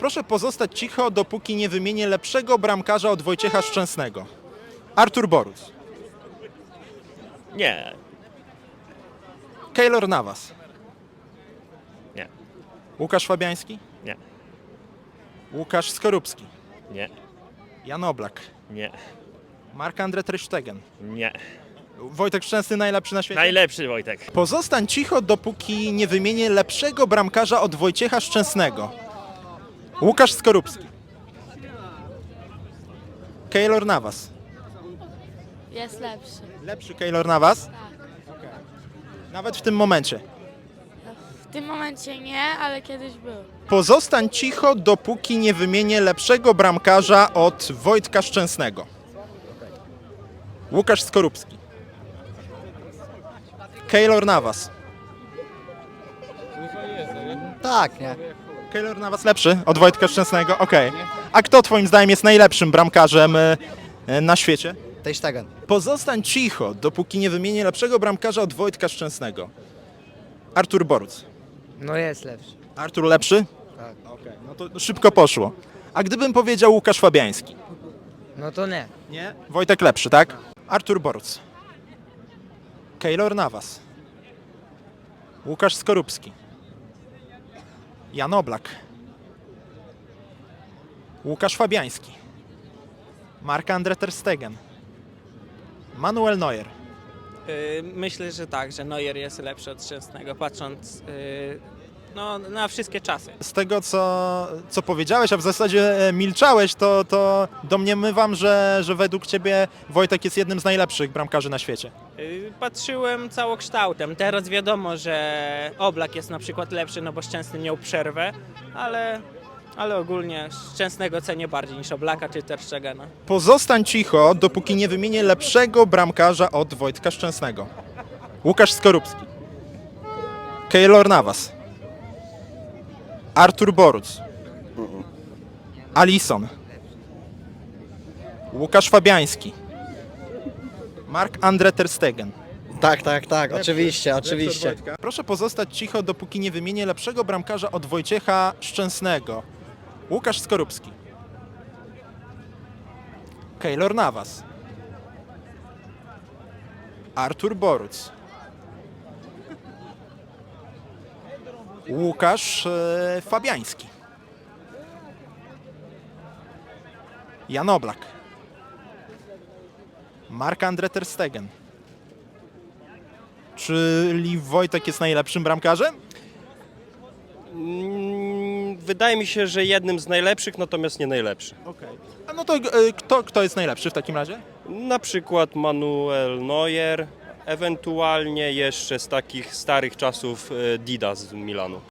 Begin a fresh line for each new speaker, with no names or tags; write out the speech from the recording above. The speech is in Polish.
Proszę pozostać cicho, dopóki nie wymienię lepszego bramkarza od Wojciecha Szczęsnego. Artur Boruc.
Nie,
Keylor Navas.
nie,
Łukasz Fabiański.
nie,
Łukasz Skorupski.
nie,
Jan Oblak.
nie,
Marc-André ter Stegen.
nie.
Wojtek Szczęsny najlepszy na świecie?
Najlepszy Wojtek.
Pozostań cicho, dopóki nie wymienię lepszego bramkarza od Wojciecha Szczęsnego. Łukasz Skorupski. Keylor Navas.
Jest lepszy.
Lepszy Keylor Navas?
Tak.
Nawet w tym momencie.
W tym momencie nie, ale kiedyś był.
Pozostań cicho, dopóki nie wymienię lepszego bramkarza od Wojtka Szczęsnego. Łukasz Skorupski. Keylor Navas.
Tak, nie?
Keylor Navas lepszy od Wojtka Szczęsnego? Okej. A kto twoim zdaniem jest najlepszym bramkarzem na świecie?
Ter Stegen.
Pozostań cicho, dopóki nie wymienię lepszego bramkarza od Wojtka Szczęsnego. Artur Boruc.
No jest lepszy.
Artur lepszy?
Tak.
Okej, no to szybko poszło. A gdybym powiedział Łukasz Fabiański?
No to nie.
Nie. Wojtek lepszy, tak? Artur Boruc. Keylor Navas. Łukasz Skorupski. Jan Oblak. Łukasz Fabiański. Marc-André ter Stegen. Manuel Neuer.
Myślę, że tak, że Neuer jest lepszy od Szczęsnego, patrząc no, na wszystkie czasy.
Z tego, co powiedziałeś, a w zasadzie milczałeś, to domniemywam, że według ciebie Wojtek jest jednym z najlepszych bramkarzy na świecie.
Patrzyłem całokształtem. Teraz wiadomo, że Oblak jest na przykład lepszy, no bo Szczęsny miał przerwę, ale ogólnie Szczęsnego cenię bardziej niż Oblaka czy Ter Stegena.
Pozostań cicho, dopóki nie wymienię lepszego bramkarza od Wojtka Szczęsnego. Łukasz Skorupski. Keylor Navas. Artur Boruc. Alisson. Łukasz Fabiański. Marc-André ter Stegen.
Tak, oczywiście.
Proszę pozostać cicho, dopóki nie wymienię lepszego bramkarza od Wojciecha Szczęsnego. Łukasz Skorupski. Keylor Navas. Artur Boruc. Łukasz Fabiański. Jan Oblak. Marc-André ter Stegen. Czyli Wojtek jest najlepszym bramkarzem?
Wydaje mi się, że jednym z najlepszych, natomiast nie najlepszy.
Okej. A no to kto jest najlepszy w takim razie?
Na przykład Manuel Neuer, ewentualnie jeszcze z takich starych czasów Dida z Milanu.